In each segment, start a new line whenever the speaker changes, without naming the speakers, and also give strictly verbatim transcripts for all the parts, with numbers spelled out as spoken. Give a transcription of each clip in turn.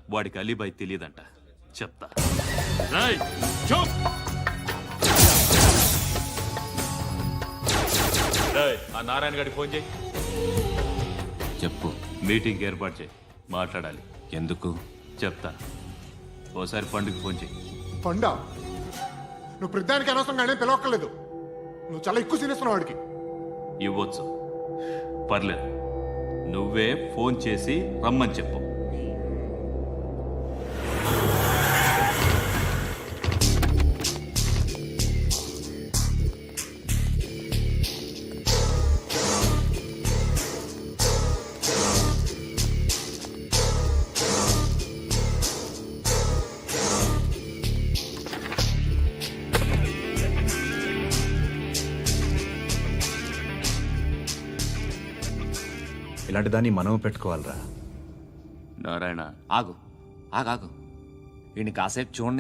వాడికి అలీబాయ్ తెలియదంట. చెప్తా. ఆ నారాయణ గారికి ఫోన్ చేయి.
చెప్పు.
మీటింగ్ ఏర్పాటు చేయి, మాట్లాడాలి.
ఎందుకు?
చెప్తా. ఓసారి పండుగ ఫోన్ చేయి.
పండా నువ్వు ప్రతిదానికి అనవసరంగానే పిలవక్కర్లేదు. నువ్వు చాలా ఎక్కువ సీనిస్తున్నావు వాడికి.
ఇవ్వచ్చు, పర్లేదు. నువ్వే ఫోన్ చేసి రమ్మని చెప్పు.
ఇలాంటి దాన్ని మనం పెట్టుకోవాలరా.
నారాయణ
ఆగు ఆగాగు వీడిని కాసేపు చూడండి.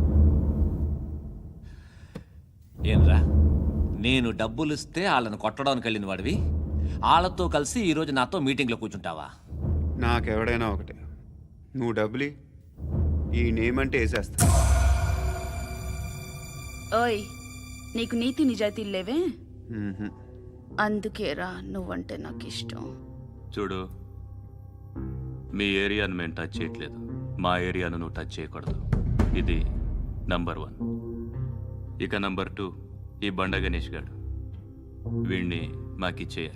ఏంరా, నేను డబ్బులు ఇస్తే వాళ్ళని కొట్టడానికి వెళ్ళిన వాడివి, వాళ్ళతో కలిసి ఈరోజు నాతో మీటింగ్లో కూర్చుంటావా?
నాకెవడైనా ఒకటే. నువ్వు డబ్బులి, ఈ నేమ్ అంటే వేసేస్తా.
ఓయ్, నీకు నీతి నిజాయితీలు లేవే,
మ్మ్హ్మ్.
అందుకేరా నువ్వంటే నాకు ఇష్టం.
చూడు, మీ ఏరియాను మేము టచ్ చేయట్లేదు, మా ఏరియాను నువ్వు టచ్ చేయకూడదు. ఇది నంబర్ వన్. ఇక నంబర్ టూ, ఈ బండ గణేష్ గారు, వీణ్ణి మాకిచ్చేయాలి.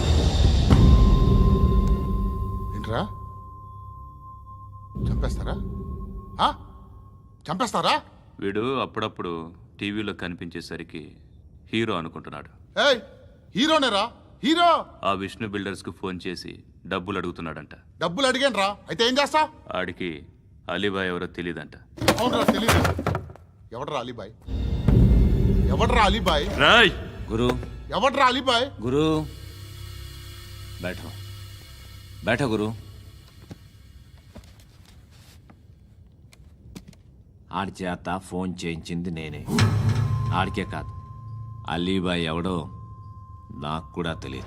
ఏంట్రా, చంపేస్తారా? ఆ? చంపేస్తారా?
వీడు అప్పుడప్పుడు టీవీలో కనిపించేసరికి హీరో అనుకుంటున్నాడు.
ఏయ్, హీరోనేరా, హీరో.
ఆ విష్ణు బిల్డర్స్ కు ఫోన్ చేసి డబ్బులు అడుగుతున్నాడంట.
డబ్బులు అడిగాను రా, అయితే ఏం చేస్తా?
ఆడికి అలీబాయ్ ఎవరో తెలీదంట.
అవునరా, తెలీదు. ఎవడరా అలీబాయ్? ఎవడరా అలీబాయ్?
రాయ్
గురు,
ఎవడరా అలీబాయ్?
గురు బైఠో బైఠో గురు. ఆడి చేత ఫోన్ చేయించింది నేనే. ఆడికే కాదు, అలీబాయ్ ఎవడో నాకు కూడా తెలియదు.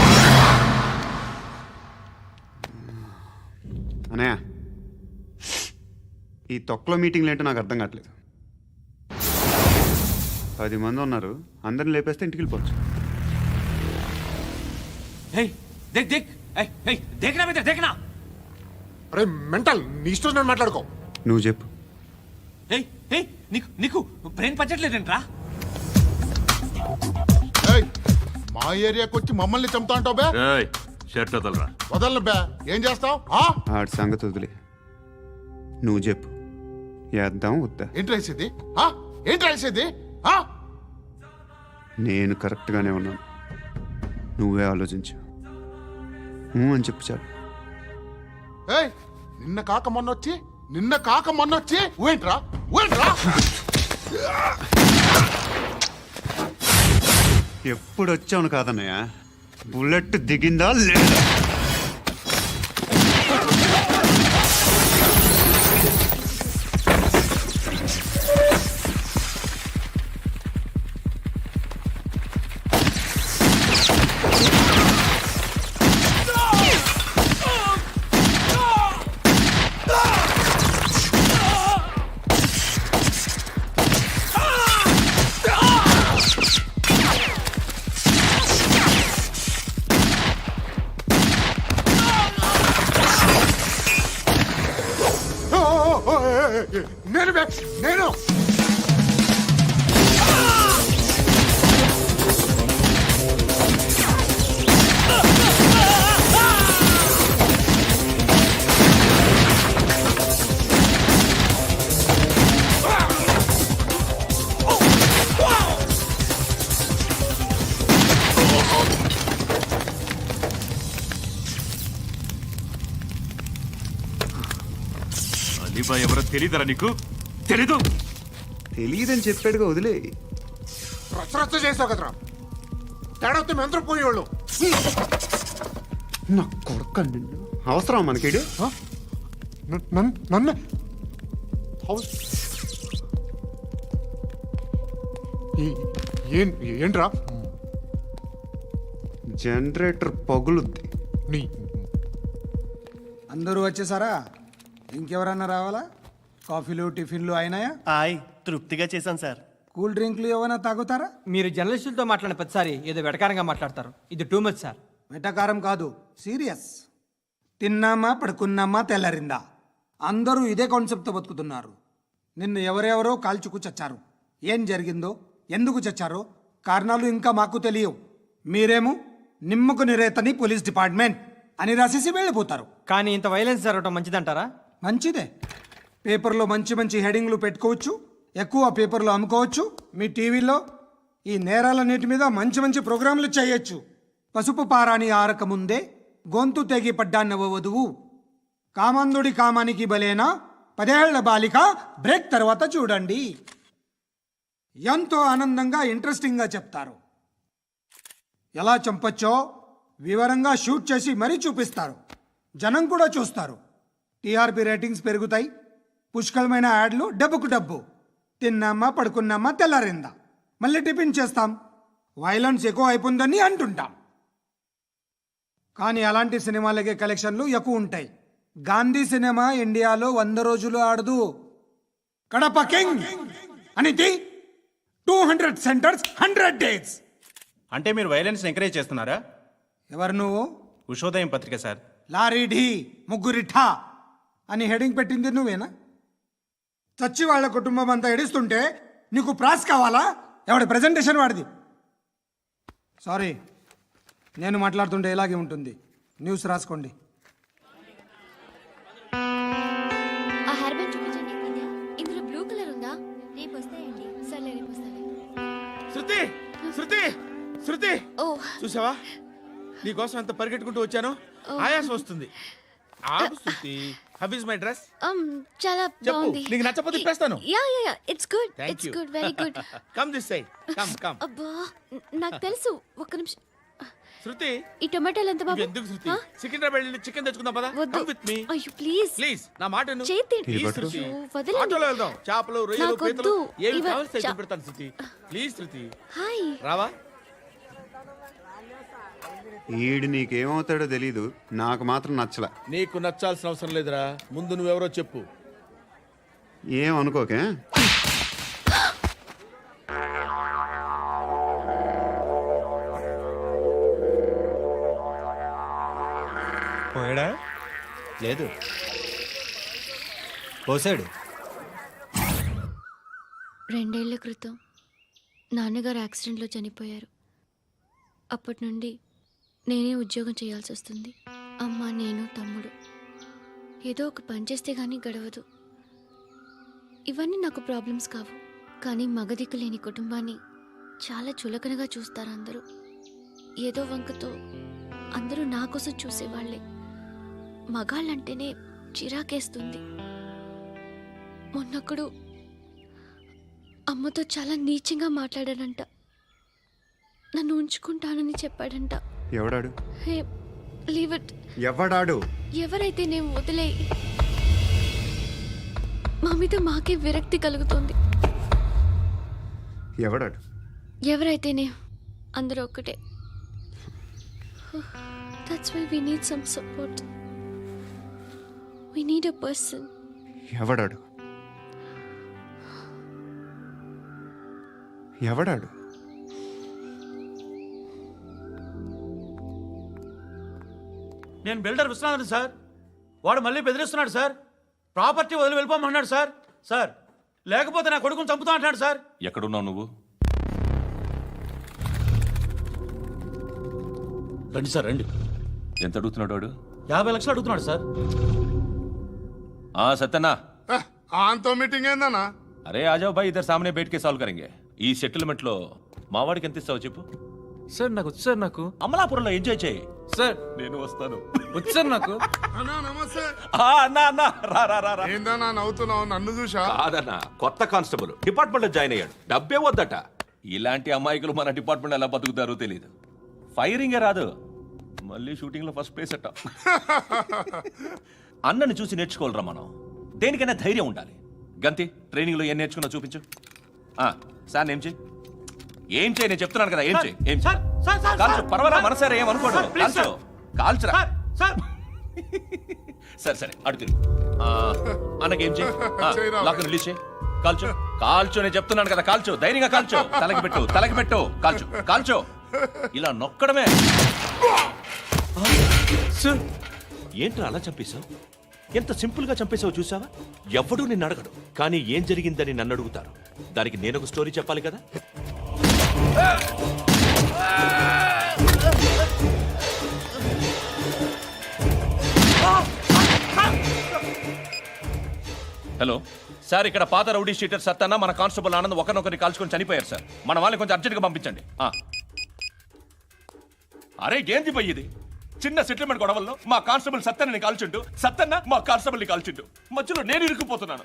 అనయ్య, ఈ తొక్కలో మీటింగ్లు ఏంటో నాకు అర్థం కావట్లేదు. పది మంది ఉన్నారు, అందరిని లేపేస్తే ఇంటికి వెళ్ళిపోవచ్చు.
హే దేక్ దేక్ ఏయ్ ఏయ్ దేకనా మీద దేకనా.
అరే మెంటల్, నీ ఇష్టం నేను మాట్లాడుకో.
నువ్వు చెప్పు.
ఏయ్ ఏయ్ నీకు నీకు బ్రెయిన్ పచ్చట్లేదంట్రా.
ఏయ్, మా ఏరియాకి వచ్చి మమ్మల్ని చంపుతా అంటావు బే?
రాయ్ షర్ట్ వదలరా.
వదలను బే. ఏం చేస్తావు?
ఆడి సంగతి వదిలే, నువ్వు చెప్పు. వేద్దాం వద్దా?
ఏంటి రాసేది? ఆ? ఏంటి రాసేది? ఆ?
నేను కరెక్ట్గానే ఉన్నాను, నువ్వే ఆలోచించు. ఊ అని చెప్పు చాలు.
ఏయ్, నిన్న కాక మొన్నొచ్చి నిన్న కాక మొన్నొచ్చి ఊయంట్రా, ఊయంట్రా.
ఎప్పుడు వచ్చావును కాదన్నయ్య, బుల్లెట్ దిగిందా లేదా?
నేను బే, నేను.
అలీబాయ్ ఎవరో తెలీదరా నీకు? తెలీదు?
తెలియదని చెప్పాడుగా, వదిలే.
రచ్చరచ్చ చేసావు కదరా, తేడా వస్తే మెంతరం పోయేవాళ్ళు.
నా కొడుక, నిన్ను అవసరం మనకిడు.
నన్ను ఏంట్రా?
జనరేటర్ పగులుద్ది.
నీ
అందరూ వచ్చేసారా? ఇంకెవరన్నా రావాలా? కాఫీలు టిఫిన్లు అయినాయా?
ఆయ్ తృప్తిగా చేశాను సార్.
కూల్ డ్రింక్లు ఏమైనా తాగుతారా?
మీరు జర్నలిస్టులతో మాట్లాడిన ప్రతిసారి ఏదో వెటకారంగా మాట్లాడతారు. ఇది టూ మచ్ సార్.
వెటకారం కాదు, సీరియస్. తిన్నామా పడుకున్నామా తెల్లరిందా, అందరూ ఇదే కాన్సెప్ట్తో బతుకుతున్నారు. నిన్ను ఎవరెవరో కాల్చుకు చచ్చారు. ఏం జరిగిందో, ఎందుకు చచ్చారో కారణాలు ఇంకా మాకు తెలియవు. మీరేమో నిమ్మకు నిరేతని పోలీస్ డిపార్ట్మెంట్ అని రాసేసి వెళ్ళిపోతారు.
కానీ ఇంత వైలెన్స్ జరగడం మంచిదంటారా?
మంచిదే. పేపర్లో మంచి మంచి హెడింగ్లు పెట్టుకోవచ్చు, ఎక్కువ పేపర్లు అమ్ముకోవచ్చు. మీ టీవీలో ఈ నేరాలన్నిటి మీద మంచి మంచి ప్రోగ్రాంలు చేయొచ్చు. పసుపు పారాని ఆరక ముందే గొంతు తెగి పడ్డాన్నవ వధువు, కామందుడి కామానికి బలేనా పదేళ్ల బాలిక బ్రేక్ తర్వాత చూడండి. ఎంతో ఆనందంగా ఇంట్రెస్టింగ్గా చెప్తారు. ఎలా చంపచ్చో వివరంగా షూట్ చేసి మరీ చూపిస్తారు. జనం కూడా చూస్తారు. టీఆర్పీ రేటింగ్స్ పెరుగుతాయి. పుష్కలమైన యాడ్లు, డబ్బుకు డబ్బు. తిన్నామా పడుకున్నామా తెల్లారిందా, మళ్ళీ టిఫిన్ చేస్తాం. వైలెన్స్ ఎక్కువ అయిపోయిందని అంటుంటాం. కానీ అలాంటి సినిమాలకే కలెక్షన్లు ఎక్కువ ఉంటాయి. గాంధీ సినిమా ఇండియాలో వంద రోజులు ఆడదు. కడప కింగ్ అనితి two hundred centres hundred days.
అంటే మీరు వైలెన్స్ ఎంకరేజ్ చేస్తున్నారా?
ఎవరు నువ్వు?
ఉషోదయం పత్రిక సార్.
లారీ ఢీ ముగ్గురిఠా అని హెడింగ్ పెట్టింది నువ్వేనా? చచ్చి వాళ్ళ కుటుంబం అంతా ఎడుస్తుంటే నీకు ప్రాస్ కావాలా? ఎవడి ప్రెజెంటేషన్ వాడిది. సారీ, నేను మాట్లాడుతుంటే ఇలాగే ఉంటుంది. న్యూస్ రాసుకోండి.
ఆ హెయిర్ బ్యాండ్ చూపించండి. ఇందులో బ్లూ కలర్ ఉందా? రేపు వస్తాయండి. సర్లే రేపు వస్తాలే.
శృతి శృతి శృతి
ఓ
చూసావా, నీకోసం ఎంత పరిగెట్టుకుంటూ వచ్చాను. ఆయాసం వస్తుంది. ఆగు Shruti. How is my dress?
um చాలా
చెప్పు.
బాగుంది.
నీకు నచ్చకపోతే తిప్పేస్తాను.
Yeah yeah yeah it's good.
Thank
it's
you.
Good, very good.
Come this side. Come come.
అబ్బా న- నాకు తెలుసు. ఒక్క నిమిషం.
శృతి
ఈ టొమాటోలు ఎంత బాబు?
ఎందుకు శృతి?
ఆ?
సికింద్రాబాద్ వెళ్ళి చికెన్ తెచ్చుకుందాం పదా.
వద్దు.
కమ్ విత్ మీ
అయ్యో ప్లీజ్
ప్లీజ్. నా మాట విను.
చేతి
ప్లీజ్
పట్టు.
శృతి.
అయ్యో, వదలండి.
ఆటోలో వెళ్దాం. చేపలు, రొయ్యలు,
నాకు
పీతలు
వద్దు.
ఏమి
ఇవ-
కావాలి
చా-
పెడతాను శృతి. Please Shruti.
హాయ్.
రావా?
ఈడు నీకేమవుతాడో తెలీదు, నాకు మాత్రం నచ్చల.
నీకు నచ్చాల్సిన అవసరం లేదురా. ముందు నువ్వెవరో చెప్పు.
ఏం అనుకోకే.
పోయాడా? లేదు, పోసాడు.
రెండేళ్ల క్రితం నాన్నగారు యాక్సిడెంట్లో చనిపోయారు. అప్పటి నుండి నేనే ఉద్యోగం చేయాల్సి వస్తుంది. అమ్మ, నేను, తమ్ముడు ఏదో ఒక పని చేస్తే కానీ గడవదు. ఇవన్నీ నాకు ప్రాబ్లమ్స్ కావు. కానీ మగదిక్కు లేని కుటుంబాన్ని చాలా చులకనగా చూస్తారు అందరూ. ఏదో వంకతో అందరూ నా కోసం చూసేవాళ్లే. మగాళ్ళంటేనే చిరాకేస్తుంది. మొన్నప్పుడు అమ్మతో చాలా నీచంగా మాట్లాడాడంట. నన్ను ఉంచుకుంటానని చెప్పాడంట.
ఎవడాడు?
Hey leave it.
ఎవడాడు?
ఎవరైతే నేను వదిలే. మా మీద మాకే విరక్తి కలుగుతుంది.
ఎవడాడు?
ఎవరైతేనే అందరూ ఒక్కటే. That's why we need some support. We need a person.
ఎవడాడు? ఎవడాడు?
నేను బిల్డర్ విశ్వనాథన్ సార్. వాడు మళ్ళీ బెదిరిస్తున్నాడు సార్. ప్రాపర్టీ వదిలి వెళ్ళిపోమన్నాడు సార్. సార్ లేకపోతే నా కొడుకుని చంపుతా అంటున్నాడు సార్.
ఎక్కడున్నావు నువ్వు?
రండి సార్ రండి.
ఎంత అడుగుతున్నాడు వాడు?
యాభై లక్షలు అడుగుతున్నాడు సార్.
ఆ సత్యనా,
ఆంతో మీటింగ్ ఏందన్నా?
అరే ఆజావ్ భాయ్, ఇద్దరు సామనే బయటకే సాల్వ్ కరెంగే. ఈ సెటిల్మెంట్ లో మావాడికి ఎంత ఇస్తావు చెప్పు.
సార్ నాకు వచ్చు సార్. నాకు
అమలాపురంలో ఎంజాయ్ చేయి
సార్.
నేను వస్తాను.
వచ్చు సార్ నాకు.
అన్నా నమస్తే.
ఆ, అన్నా అన్నా రా రా రా రా.
ఏందన్నా నవ్వుతున్నావు? నన్ను చూసా?
కాదన్నా, కొత్త కానిస్టేబుల్ డిపార్ట్మెంట్ లో జాయిన్ అయ్యాడు. డబ్బే వద్దట. ఇలాంటి అమాయకులు మన డిపార్ట్మెంట్ ఎలా బతుకుతారో తెలియదు. ఫైరింగే రాదు, మళ్ళీ షూటింగ్ లో ఫస్ట్ ప్లేస్ అట్ట. అన్నని చూసి నేర్చుకోవాలరా మనం. దేనికైనా ధైర్యం ఉండాలి. గంతి, ట్రైనింగ్ లో ఏం నేర్చుకున్నా చూపించు. ఆ, సార్ ఏం చేయి ఏం చేయి నేను చెప్తున్నాను కదా. ఏం చేయి ఏం
సార్, సార్, సార్,
కాల్చు.
సార్,
పర్వాలా,
సార్,
మనసారా ఏం అనుకోడు.
సార్, ప్లీజ్
కాల్చు
సార్.
కాల్చురా.
సార్ సార్
సరే సరే అడు తిరుగు ఆ, అన్నకేం చేయి
చేయరా.
లాక్ రిలీజ్ చేయి కాల్చో కాల్చో నేను చెప్తున్నాను కదా కాల్చో ధైర్యంగా కాల్చో తలకి పెట్టు తలకి పెట్టు కాల్చో కాల్చో ఇలా నొక్కడమే సార్ ఏంట్రా అలా చంపేశావు ఎంత సింపుల్ గా చంపేశావు చూసావా ఎవడూ నిన్ను అడగడు కానీ ఏం జరిగిందని నన్ను అడుగుతారు దానికి నేను ఒక స్టోరీ చెప్పాలి కదా హలో సార్ ఇక్కడ పాత రౌడీ షీటర్ సత్తన్న మన కానిస్టేబుల్ ఆనంద్ ఒకరినొకరిని కాల్చుకొని చనిపోయారు సార్ మన వాళ్ళని కొంచెం అర్జెంట్గా పంపించండి ఆ. అరే ఏంది పోయి ఇది చిన్న సెటిల్మెంట్ గొడవల్లో మా కానిస్టేబుల్ సత్తన్నని కాల్చుంటూ సత్తన్న మా కానిస్టేబుల్ని కాల్చుంటూ మధ్యలో నేను ఇరుక్కుపోతున్నాను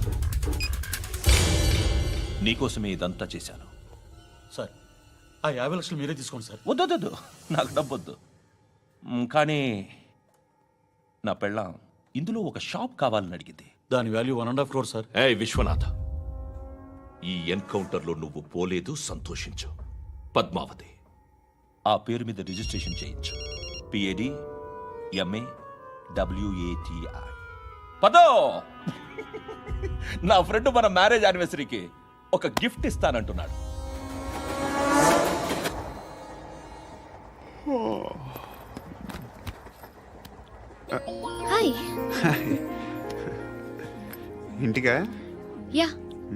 నీకోసమే ఇదంతా చేశాను
సార్ ఆ యాభై లక్షలు మీరే తీసుకోండి సార్.
వద్దొద్దు నాకు డబ్బొద్దు మ్, కానీ నా పెళ్ళాం ఇందులో ఒక షాప్ కావాలని అడిగింది
దాని value one and half crore sir.
ఏ విశ్వనాథ ఈ ఎన్కౌంటర్లో నువ్వు పోలేదు సంతోషించు పద్మావతి ఆ పేరు మీద రిజిస్ట్రేషన్ చేయించు పిఏడి ఎంఏ డబ్ల్యూఏటిఐ పదో నా ఫ్రెండ్ మన మ్యారేజ్ యానివర్సరీకి ఒక గిఫ్ట్ ఇస్తానంటున్నాడు
హాయ్
ఇంటికా
యా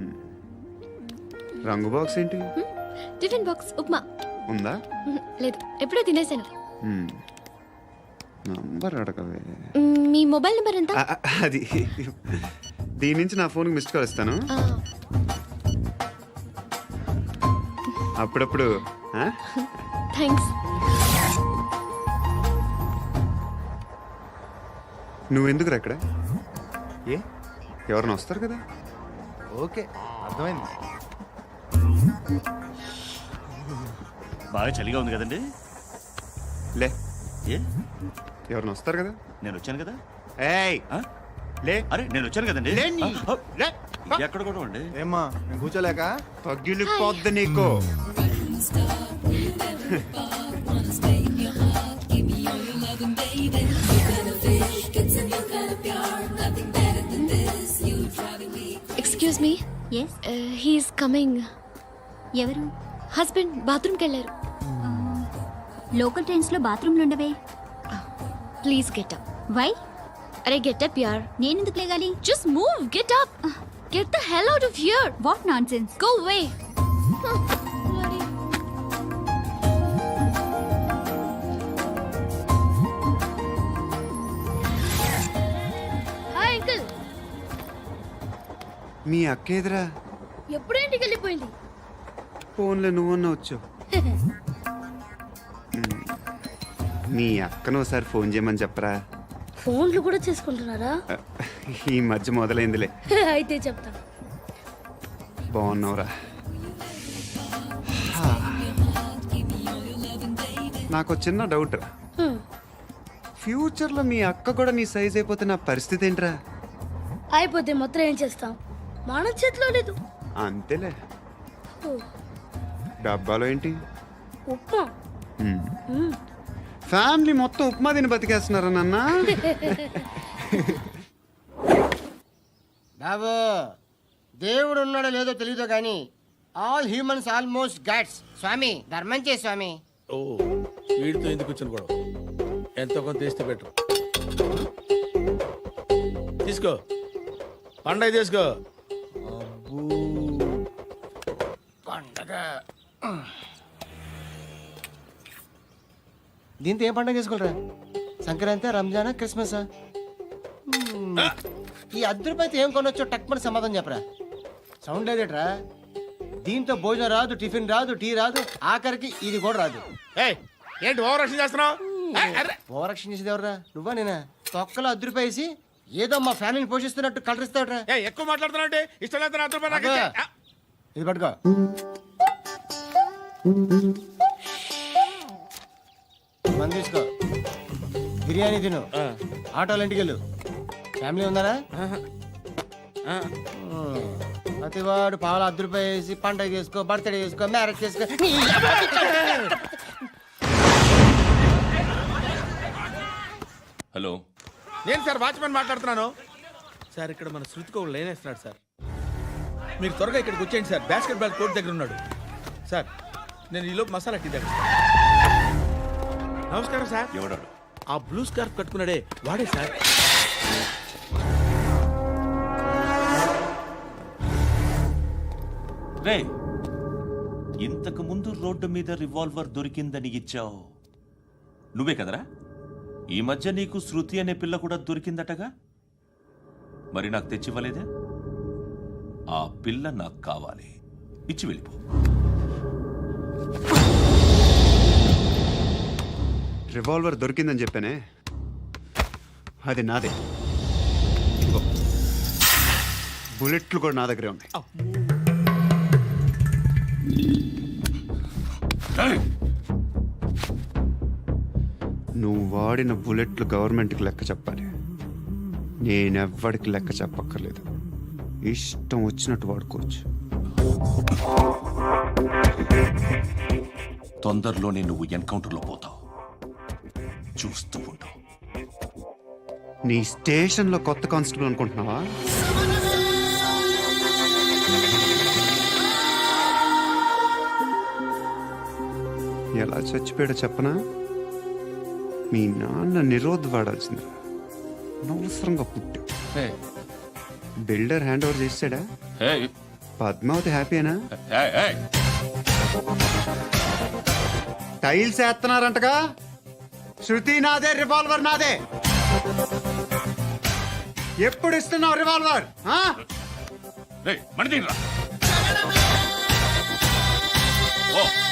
రంగు బాక్స్ ఏంటి
టిఫిన్ బాక్స్ ఉప్మా
ఉందా
మ్మ్, లేదు ఎప్పుడో తినేసాను.
మ్మ్. నంబర్ అడగవే
మ్మ్, మీ మొబైల్ నెంబర్ ఎంత?
ఆ, ఆ, అది దీని నుంచి నా ఫోన్కి మిస్డ్ కాల్ ఇస్తాను
ఆ,
అప్పుడప్పుడు ఆ?
థ్యాంక్స్.
నువ్వెందుకురా ఇక్కడ ఏ ఎవరైనా వస్తారు కదా
ఓకే అర్థమైంది.
బాగా చలిగా ఉంది కదండి.
లే
ఏ
ఎవరైనా వస్తారు కదా
నేను వచ్చాను కదా.
ఏయ్
ఆ?
లే
అరే నేను వచ్చాను కదండి.
లే నీ.
ఆ,
లే.
ఎక్కడ కూడా అండి.
ఏమ్మా నేను కూర్చోలేక
పగిలిపోద్ది నీకు
excuse me.
Yes
he's coming.
ఎవరు?
హస్బెండ్ బాత్రూమ్కి వెళ్ళారు.
లోకల్ ట్రైన్స్ లో బాత్రూమ్లు ఉండవే.
Please get up.
వై?
అరే గెట్ అప్ యార్.
నేనెందుకు లేగాలి?
Just move. Get up. Get the hell out of here.
What nonsense.
Go away. Hi uncle.
మీ అక్క ఎదురా
ఎప్పుడు ఇంటికి వెళ్ళిపోయింది?
ఫోన్లో నువ్వన్నా వచ్చావు మీ అక్కను ఒకసారి ఫోన్ చేయమని చెప్పరా
ఫోన్లు కూడా చేసుకుంటున్నారా?
ఈ మధ్య మొదలైందిలే
అయితే చెప్తా.
బాగున్నావురా నాకు చిన్న డౌట్ రా ఫ్యూచర్లో మీ అక్క కూడా నీ సైజ్ అయిపోతే నా పరిస్థితి ఏంట్రా
అయిపోతే మొత్తం ఏం చేస్తాం? మన చేతిలో లేదు.
అంతేలే డబ్బాలో ఏంటి
ఉప్మా.
మ్మ్. ఫ్యామిలీ మొత్తం ఉప్మా తిని బతికేస్తున్నారా నాన్న
బాబు దేవుడు ఉన్నాడో లేదో తెలియదు కానీ ఆల్ హ్యూమన్స్ ఆల్మోస్ట్ గాడ్స్. స్వామి ధర్మం చే స్వామి.
ఓ వీడితో ఎందుకు వచ్చిన గొడవ? ఎంతో కొంత తీస్తే పెట్టు. తీసుకో పండగ తీసుకో.
పండగ దీంతో ఏం పండగ చేసుకోరా? సంక్రాంతి, రంజానా, క్రిస్మసా? మ్మ్. ఈ అర్ధ రూపాయలతో ఏం కొనొచ్చో టక్మని సమాధానం చెప్పరా. సౌండ్ లేదేట్రా? దీంతో భోజనం రాదు, టిఫిన్ రాదు, టీ రాదు, ఆఖరికి ఇది కూడా రాదు.
ఏంటి ఓవర్ రక్షణ చేస్తున్నావు?
ఓవరాక్షన్ చేసేది ఎవరా? నువ్వా నేనా? తొక్కలో అర్ధ రూపాయి వేసి ఏదో మా ఫ్యామిలీని పోషిస్తున్నట్టు కలరిస్తాడ్రా.
ఎక్కువ మాట్లాడుతున్నావు ఇష్టం లేదు అర్థం
అబ్బా, ఇది పట్టుకో. మంది తీసుకో, బిర్యానీ తిను, ఆటోలు ఇంటికి వెళ్ళు. ఫ్యామిలీ ఉన్నారా? ప్రతివాడు పావులు అర్ధ రూపాయి వేసి పండగ చేసుకో, బర్త్డే చేసుకో, మ్యారేజ్ చేసుకో.
హలో
నేను సార్ వాచ్మెన్ మాట్లాడుతున్నాను సార్. ఇక్కడ మన శృతికి ఒక లైన్ వేస్తున్నాడు సార్. మీరు త్వరగా ఇక్కడికి వచ్చేయండి సార్. బాస్కెట్ బాల్ కోర్ట్ దగ్గర ఉన్నాడు సార్. నేను ఈలోపు మసాలా టీ దగ్గర. నమస్కారం సార్.
ఎవడాడు?
ఆ బ్లూ స్కార్ఫ్ కట్టుకున్నాడే వాడే సార్.
రే, ఇంతకు ముందు రోడ్డు మీద రివాల్వర్ దొరికిందని ఇచ్చావు నువ్వే కదరా? ఈ మధ్య నీకు శృతి అనే పిల్ల కూడా దొరికిందటగా, మరి నాకు తెచ్చివ్వలేదే? ఆ పిల్ల నాకు కావాలి, ఇచ్చి వెళ్ళిపో.
రివాల్వర్ దొరికిందని చెప్పానే, అది నాదే. ఇదిగో, బుల్లెట్లు కూడా నా దగ్గరే ఉన్నాయి. నువ్వు వాడిన బుల్లెట్లు గవర్నమెంట్కి లెక్క చెప్పాలి. నేనెవ్వడికి లెక్క చెప్పక్కర్లేదు. ఇష్టం వచ్చినట్టు వాడుకోవచ్చు.
తొందరలోనే నువ్వు ఎన్కౌంటర్లో పోతావు, చూస్తూ ఉండు.
నీ స్టేషన్లో కొత్త కానిస్టేబుల్ అనుకుంటున్నావా? ఎలా చచ్చిపోయాడో చెప్పనా? మీ నాన్న నిరోధ్ వాడాల్సింది. అనవసరంగా పుట్టావు. బిల్డర్ హ్యాండ్ ఓవర్ చేసాడా? పద్మావతి హ్యాపీనా? టైల్స్ వేస్తున్నారంటగా. శృతి నాదే, రివాల్వర్ నాదే. ఎప్పుడు ఇస్తున్నావు రివాల్వర్?
ఓ